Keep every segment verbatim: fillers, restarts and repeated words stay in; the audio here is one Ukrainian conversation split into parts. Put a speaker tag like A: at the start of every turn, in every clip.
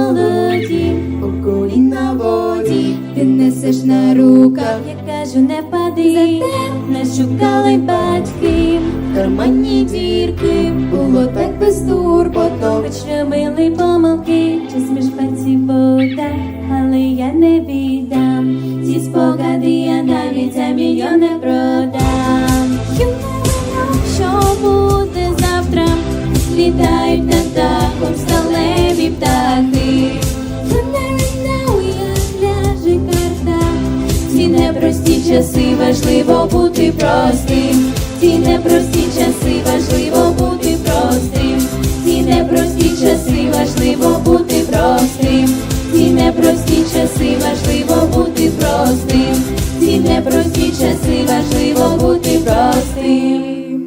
A: молоді, по коліна воді, ти несеш на руках, я кажу, не впади, не шукали батьки, в кармані дірки, було так безтурботно, хоч робили помилки, час між пальців вода, але я не віддам, ці спогади я навіть за мільйон не продам. You never know, що буде завтра, літають над дахом сталеві птахи. You never know, як ляже карта, ці непрості часи важливо бути простим, ці непрості часи важливо бути простим, ці непрості часи важливо бути простим, ці непрості часи важливо бути простим, ці непрості часи важливо бути простим.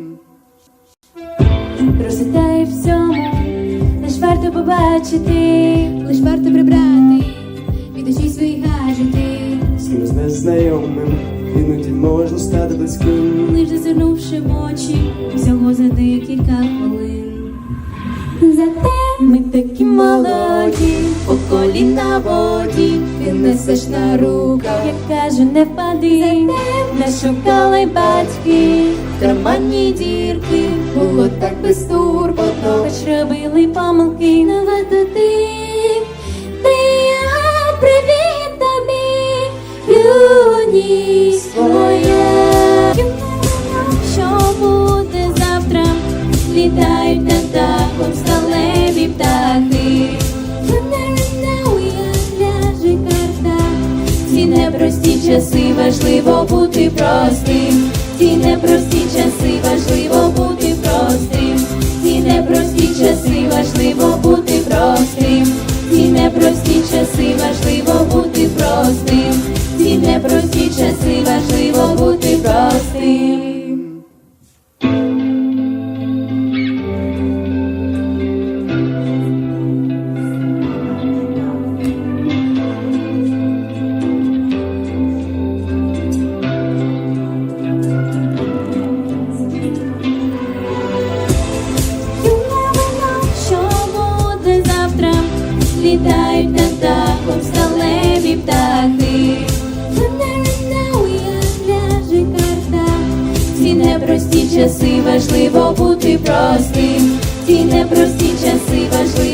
A: Проситай всьому, лиш варто побачити, лиш варто прибрати від очей свої гаджети.
B: З кимось незнайомим іноді можна стати близьким,
A: Лиш зазирнувши в очі, всього за декілька хвилин. Зате ми такі молоді, по коліна воді, ти несеш на руках, я кажу, не впади, не шукали батьки, в кармані дірки, було так безтурботно, хоч робили помилки, не варто ти, ти, а, привіт тобі, юність твоя. You never know, що буде завтра, літають над дахом сталеві птахи. You never know, як ляже карта, ці непрості часи важливо бути простим, ці непрості часи важливо бути простим, ці непрості часи важливо бути простим, ці непрості часи важливо бути простим, ці непрості часи важливо бути простим. Літають над дахом сталеві птахи. You never know, як ляже карта, ці непрості часи важливо бути простим, ці непрості часи важливо